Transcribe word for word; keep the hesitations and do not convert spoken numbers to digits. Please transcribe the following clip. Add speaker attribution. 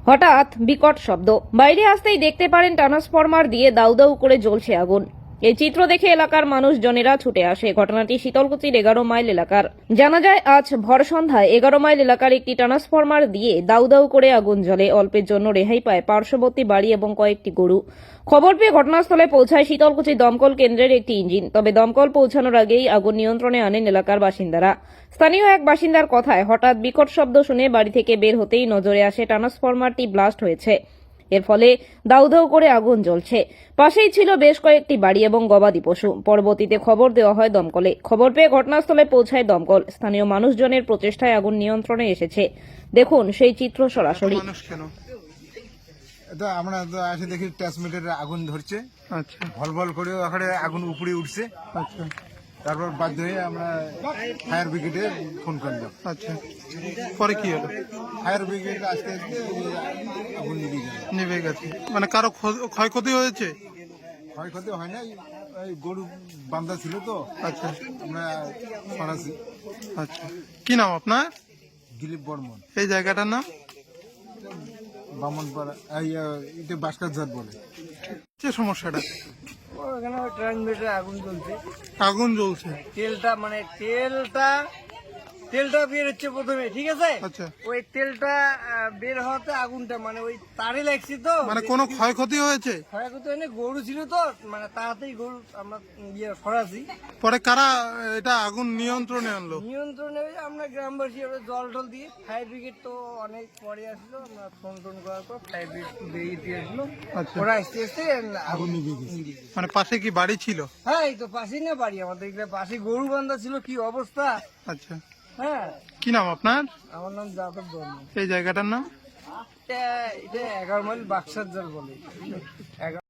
Speaker 1: হঠাৎ বিকট শব্দ, বাইরে আসতেই দেখতে পারেন ট্রান্সফরমার দিয়ে দাউ দাউ করে জ্বলছে আগুন। এই চিত্র দেখে এলাকার মানুষজনেরা ছুটে আসে। ঘটনাটি শীতলকুচির এগারো মাইল এলাকার। জানা যায় আজ ভর সন্ধ্যায় এগারো মাইল এলাকার একটি ট্রান্সফরমার দিয়ে দাউ দাউ করে আগুন জ্বলে। অল্পের জন্য রেহাই পায় পার্শ্ববর্তী বাড়ি এবং কয়েকটি গরু। খবর পেয়ে ঘটনাস্থলে পৌঁছায় শীতলকুচি দমকল কেন্দ্রের একটি ইঞ্জিন। তবে দমকল পৌঁছানোর আগেই আগুন নিয়ন্ত্রণে আনেন এলাকার বাসিন্দারা। স্থানীয় এক বাসিন্দার কথায়, হঠাৎ বিকট শব্দ শুনে বাড়ি থেকে বের হতেই নজরে আসে ট্রান্সফরমারটি ব্লাস্ট হয়েছে। এর ফলে দাউ দাউ করে আগুন জ্বলছে। পাশেই ছিল বেশ কয়েকটি বাড়ি এবং গবাদি পশু। পরবর্তীতে খবর দেওয়া হয় দমকলে। খবর পেয়ে ঘটনাস্থলে পৌঁছায় দমকল। স্থানীয় মানুষজনের প্রচেষ্টায় আগুন নিয়ন্ত্রণে এসেছে। দেখুন সেই চিত্র সরাসরি।
Speaker 2: এটা আমরা তো এসে দেখি ট্রান্সমিটারে আগুন ধরছে।
Speaker 3: আচ্ছা
Speaker 2: ভল ভল করে ওখানে আগুন উপরে উঠছে।
Speaker 3: আচ্ছা
Speaker 2: তারপর বাধ্য হয়ে আমরা ফায়ার ব্রিগেডে ফোন করলাম।
Speaker 3: আচ্ছা পরে কি হলো?
Speaker 2: ফায়ার ব্রিগেড আজকে আগুন নিভে গেল।
Speaker 3: নিভে গেছে মানে কারো ক্ষ- ক্ষয়ক্ষতি হয়েছে?
Speaker 2: ক্ষয়ক্ষতি হয় না, এই গরু বান্ধা ছিল তো।
Speaker 3: আচ্ছা
Speaker 2: আমরা সরাসি।
Speaker 3: আচ্ছা কি নাম আপনার?
Speaker 2: দিলীপ বর্মন।
Speaker 3: এই জায়গাটার নাম?
Speaker 2: বামনপাড়া, এই এটা বাসকার জাত বলে।
Speaker 3: যে সমস্যাটা
Speaker 4: ওখানে ওই ট্রান্সমিটারে আগুন জ্বলছে।
Speaker 3: আগুন জ্বলছে।
Speaker 4: তেলটা মানে তেলটা তেলটা বের হচ্ছে প্রথমে, ঠিক আছে।
Speaker 3: আচ্ছা
Speaker 4: ওই তেলটা আহ, বের হওয়াতে আগুনটা মানে ওই তারে লাগছে তো।
Speaker 3: মানে কোনো ক্ষয়ক্ষতি হয়েছে?
Speaker 4: ক্ষয়ক্ষতি হয়নি, গরু ছিল তো মানে তাড়াতাড়ি গরু আমরা ইয়ে সরাসি।
Speaker 3: পরে কারা এটা আগুন নিয়ন্ত্রণে আনলো?
Speaker 4: নিয়ন্ত্রণে ওই আমরা গ্রামবাসী আমরা জল টল দিয়ে, ফায়ার ব্রিগেড তো অনেক পরে আসলো। আমরা ফোন টোন করার পর ফায়ার ব্রিগেড বেরিয়ে আসলো।
Speaker 3: আচ্ছা
Speaker 4: ওরা আসতে আসতে আগুন
Speaker 2: নিভে গেছে।
Speaker 4: নিভে গেছে।
Speaker 3: মানে পাশে কি বাড়ি ছিল?
Speaker 4: হ্যাঁ, এই তো পাশেই না বাড়ি আমাদের, এখানে পাশে গরু বান্ধা ছিল, কি অবস্থা।
Speaker 3: আচ্ছা
Speaker 4: হ্যাঁ,
Speaker 3: কি নাম আপনার?
Speaker 4: আমার নাম যাদব বর্মন।
Speaker 3: এই জায়গাটার নাম?
Speaker 4: এটা এটা এগারো মাইল বাক্সার জাল বলে। এগারো